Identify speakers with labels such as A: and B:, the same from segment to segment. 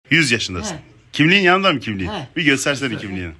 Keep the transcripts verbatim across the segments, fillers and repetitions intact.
A: yüz yaşındasın.
B: He.
A: Kimliğin yanında mı kimliğin?
B: He.
A: Bir göstersene kimliğini.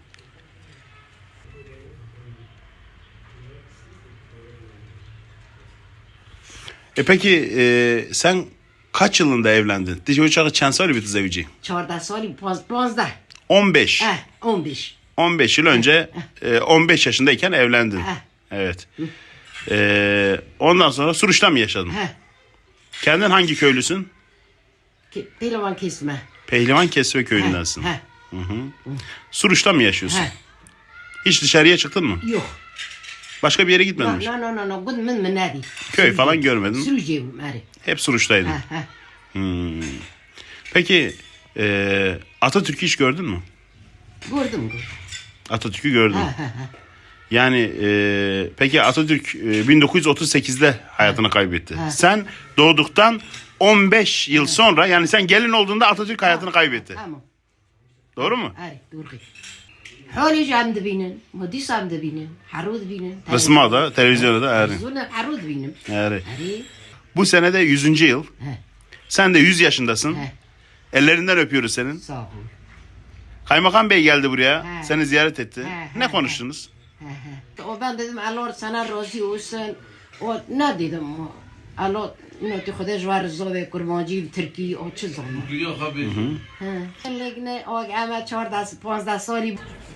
A: E peki e, sen kaç yılında evlendin? Ty uçağı çansali bir zevci.
B: چهارده سالی پاز پانزده
A: on beş.
B: اه اون بیش
A: on beş yıl önce e, on beş yaşındayken evlendin.
B: He.
A: Evet. E, ondan sonra Suruç'ta mı yaşadın?
B: ها
A: Kendin hangi köylüsün?
B: که پیلوان کسمه
A: Pehlivan Kesve köyündensin.
B: ها
A: Suruç'ta mı yaşıyorsun?
B: ها
A: Hiç dışarıya çıktın mı?
B: yok
A: Başka bir yere
B: لا
A: gitmedin mi?
B: لا لا لا لا بود من من نادي
A: Köy falan görmedin.
B: سروجي ماري
A: Hep Suruç'taydın.
B: ها ها
A: Hmm. Peki e, Atatürk'ü hiç gördün mü?
B: gördüm gördüm
A: Atatürk'ü gördün.
B: ها ها ها
A: Yani e, peki Atatürk e, bin dokuz yüz otuz sekizde hayatını kaybetti.
B: Ha.
A: Sen doğduktan on beş yıl sonra, yani sen gelin olduğunda Atatürk hayatını kaybetti.
B: tamam
A: Doğru mu?
B: آره دورقي حالي جام دبينن مدي سام دبينن حرود بينن
A: Kısma da, televizyonda da yani.
B: زون حرود بينن
A: yani.
B: آره
A: Bu senede yüzüncü yıl.
B: ها
A: Sen de yüz yaşındasın.
B: ها
A: Ellerinden öpüyoruz senin.
B: sağ ol
A: Kaymakam Bey geldi buraya.
B: Ha.
A: Seni ziyaret etti.
B: Ha,
A: Ne
B: ha,
A: konuştunuz?
B: ها ها و ben dedim Allah sana razı olsun o ne dedim Allah اینو تو خودش وار زوده کرمانجی ترکی او چه زمان
C: Dünya haberi.
B: ها لگنه آگ اما چهارده پانزده سالی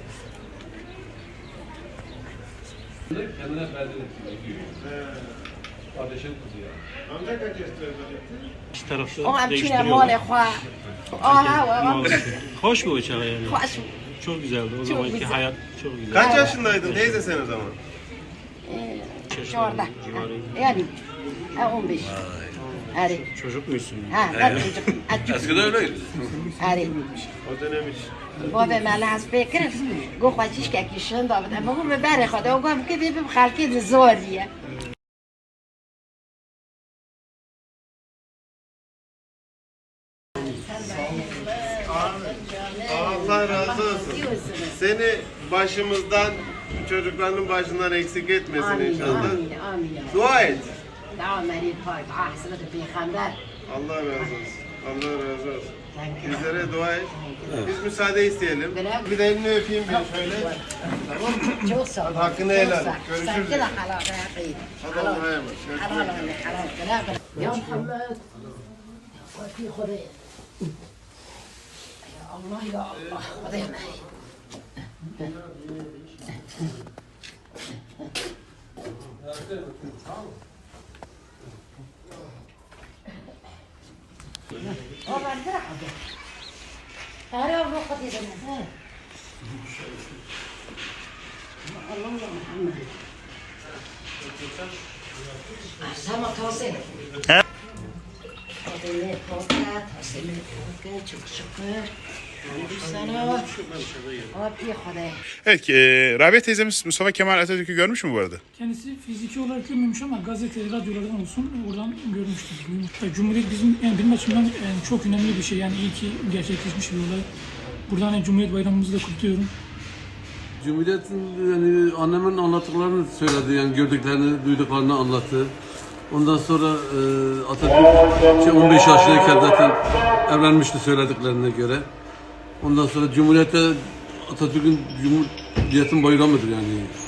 C: Kendine perdele Kardeşin kızı ya.
D: İki tarafta
B: او همچین
D: değiştiriyorlar.
B: مال خواه آه و
D: Hoş bir uçak yani.
B: خوش
D: Çok güzeldi. O zamanki
B: güzel.
D: hayat çok güzel.
E: Kaç yaşındaydın teyze sen o zaman?
B: چهارده یعنی اون بیش آره
D: Çocuk musun?
B: ها نه چوچک
C: Eskiden öyleydi.
B: آره
E: O dönem hiç.
B: بابا من از فکر گو خواهیش که کشن دابد اما گو ببره خدا و گم که بیم خلقی زوریه
E: Allah razı olsun. Seni başımızdan, çocuklarının başından eksik etmesin
B: آمین
E: inşallah.
B: آمین آمین
E: Dua et.
B: دعا مرید پاک احسنت پیغمبر
E: Allah razı olsun. Allah razı olsun. Bizlere dua et. Biz müsaade isteyelim. Bir de elini öpeyim ben şöyle. Tamam mı?
B: çok sağ ol
E: Hakkını helal et. Görüşürüz.
B: Sen de halal hayatı
E: Hadi Allah'a emanet.
B: halal halal halal ya Muhammed Fatih Khudaya Ya Allah ya Allah Khudaya O ben de rahat. Ara o vakit yedim. Allah ya Muhammed. Sama tavsiye.
A: He?
B: Tavsiye, tavsiye, tavsiye, çok şükür. Sana. Abi Khudaya.
A: Evet, e, Rabia teyzemiz Mustafa Kemal Atatürk'ü görmüş mü bu arada?
F: Kendisi fiziki olarak görmemiş ama gazete, radyolardan olsun oradan görmüştür. Duymuştur. Cumhuriyet bizim, yani benim açımdan yani çok önemli bir şey. Yani iyi ki gerçekleşmiş bir olay. Buradan hani Cumhuriyet Bayramımızı da kutluyorum.
C: Cumhuriyet'in yani annemin anlattıklarını söyledi yani gördüklerini, duyduklarını anlattı. Ondan sonra e, Atatürk şey, on beş yaşındayken zaten evlenmişti söylediklerine göre. Ondan sonra Cumhuriyet'te Atatürk'ün Cumhuriyet'in bayramıdır yani.